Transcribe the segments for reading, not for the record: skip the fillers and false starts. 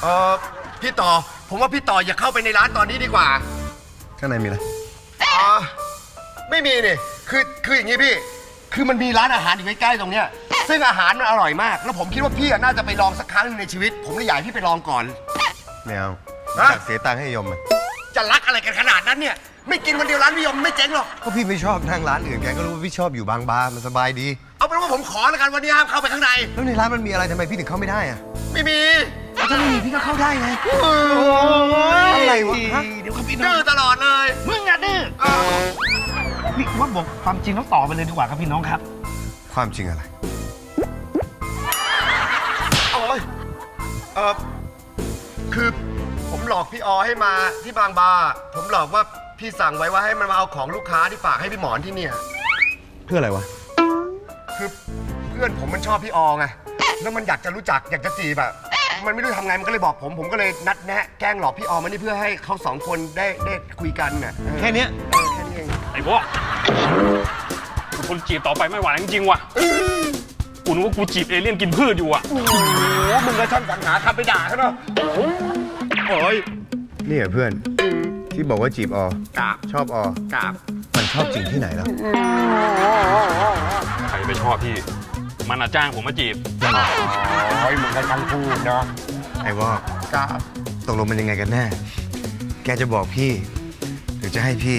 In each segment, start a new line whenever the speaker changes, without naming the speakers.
เออพี่ต่อผมว่าพี่ต่ออย่าเข้าไปในร้านตอนนี้ดีกว่า
ข้างในมีอะไร
ไม่มีนี่คืออย่างนี้พี่คือมันมีร้านอาหารอยู่ใกล้ๆตรงเนี้ยซึ่งอาหารมันอร่อยมากแล้วผมคิดว่าพี่น่าจะไปลองสักครั้งหนึงในชีวิต ผมเลยอยากให้พี่ไปลองก่อน
ไม่เอา
ฮะ
อยากเสียตังค์ให้ยมมัน
จะรักอะไรกันขนาดนั้นเนี่ยไม่กินวันเดียวร้านพี่ยมไม่เจ๊งหรอก
ก็พี่ไม่ชอบนั่งร้านอื่นแกก็รู้ว่าพี่ชอบอยู่บางบาร์มันสบายดี
เอาเป็นว่าผมขอแล้วกันวันนี้ห้ามเข้าไปข้างใน
แล้วในร้านมันมีอะไรทำไมพี่ถึงเข้าไม่ได้อะ
ไม่มี
ถ้าไม่มีพี่ก็เข้าได้ไง
อะ
อะไรวะฮะ
เดี๋ยวครับพี่น้
ดื้
อ
อง ตลอดเลย
มึงอะดื้อนี่ว่าบอกความจริงแล้วต่อไปเลยดีกว่าครับพี่น้องครับ
ความจริงอะไร
โอ้ยคือผมหลอกพี่อให้มาที่บางบาผมหลอกว่าพี่สั่งไว้ว่าให้มันมาเอาของลูกค้าที่ฝากให้พี่หมอนที่เนี่ย
เพื่ออะไรวะ
คือเพื่อนผมมันชอบพี่อไงแล้วมันอยากจะรู้จักอยากจะจีบอะมันไม่รู้ทำไงมันก็เลยบอกผมก็เลยนัดแนะแกล้งหลอกพี่อมานี่เพื่อให้เขาสองคนได้คุยกันน่ะ
แค่เนี้ย
แค่นี้เอง
ไอ้พวกกูทนจีบต่อไปไม่ไหวจริงๆว่ะกูนึกว่ากูจีบเอเลี่ยนกินพืชอยู่อ่ะ
โอ้โหมึงก็ช่างสรรหาคำไปด่าเขาเนาะโอ้ย
นี่เหรอเพื่อน ที่บอกว่าจีบอ
กราบ
ชอบอก
ราบ
มันชอบจริงที่ไหนแล้ว
ใครไม่ชอบพี่ มันจ้างผมมาจีบ
โอ้ยมึงก็ช่างพูดเนาะ
ไอ้วอก
กราบ
ตกลงมันยังไงกันแน่ แกจะบอกพี่ หรือจะให้พี่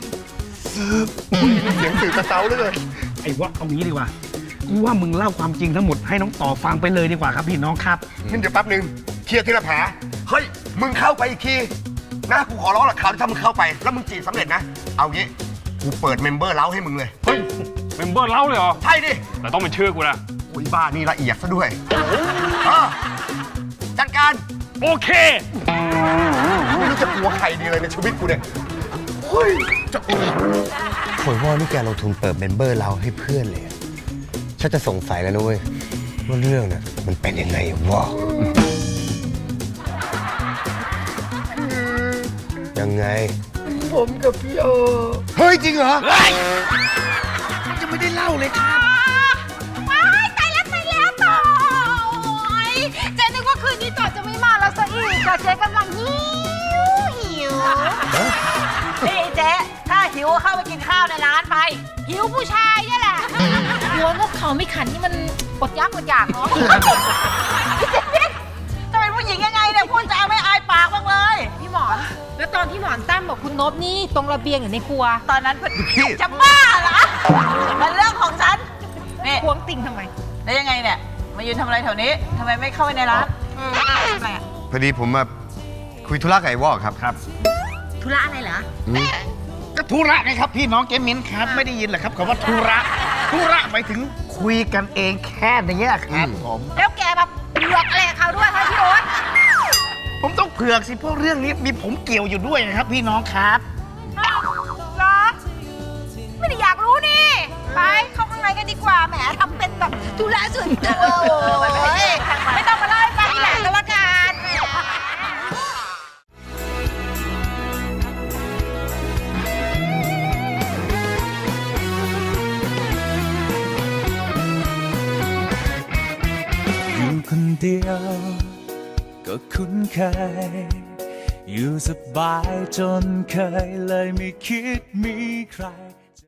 เสียงสื่อกระเซ้าเลย
ไอ้ว่าเอางี้ดีกว่ากูว่ามึงเล่าความจริงทั้งหมดให้น้องต่อฟังไปเลยดีกว่าครับพี่น้องครับ
งั้นเดี๋ยวแป๊บนึงเคลียร์ทีละแผลเฮ้ยมึงเข้าไปอีกทีนะกูขอร้องหลักข่าวที่ถ้ามึงเข้าไปแล้วมึงจีบสำเร็จนะเอางี้กูเปิดเมมเบอร์เล้าให้มึงเลย
เฮ้ยเมมเบอร์เล่าเลยเหรอ
ใช่ดิ
แต่ต้องเป็นชื่อกูนะ
โอ้ยบ้านี่ละเอียดซะด้วยจัดการ
โอเค
ไม่รู้จะกลัวใครดีเลยในชีวิตกูเนี่ยเฮ้ยจะ
โอยว่านี่แกลงทุนเปิดเมมเบอร์เราให้เพื่อนเลยอะฉันจะสงสัยแล้วนะเว้ยว่าเรื่องน่ะมันเป็นยังไงวะยังไง
ผมกับพี่โอ
เฮ้ย จริงเหรอ
จะไม่ได้เล่าเลยครับ
ว้ายตายแล้วต่อโอ๊ยเจ๊นึกว่าคืนนี้ต่อจะไม่มาแล้วซะอีกอะเจ๊กำลังหิว
นี่เจ๊ถ้าหิวเข้าไปกินข้าวในร้านไป
หิวผู้ชายเนี่ยแหละหัวนกเขาไม่ขันนี่มันอดยากอดอยากเนาะ
จะเป็นผู้หญิงยังไงเนี่ยพูดจาไม่อายปากบ้างเลย
พี่หมอน แล้วตอนที่หมอนตั้มบอกคุณนบนี่ตรงระเบียงอยู่ในครัว
ตอนนั้นจะบ้าเหรอมันเรื่องของฉันนี่
ควงติ่งทำไม
แล้วยังไงเนี่ยมายืนทำอะไรแถวนี้ทำไมไม่เข้าไปในร้านทำไมอะ
พอดีผมมาคุยธุระกับไอ้วอกครับ
ธุระอะไรเหรอ
ก็ธุระไงครับพี่น้องเจมินครับ ไม่ได้ยินเหรอครับคำว่าธุระหมายถึงคุยกันเองแค่นี้ครับผม
แล้วแกมาเผือกอะไรกับเขาด้วยคะพี่โอ๊ต
ผมต้องเผือกสิเพราะเรื่องนี้มีผมเกี่ยวอยู่ด้วยนะครับ พี่น้องครับ
เหรอไม่ได้อยากรู้นี่ ไปเข้าข้างในกันดีกว่าแหมทำเป็นแบบธุระส่วนตัวโอ๊ยไม่ต้องมาเล่าให้ฟังทีหลังก็แล้วกัน
อยู่คนเดียวก็คุ้นเคย อยู่สบายจนเคยเลยไม่คิดมีใคร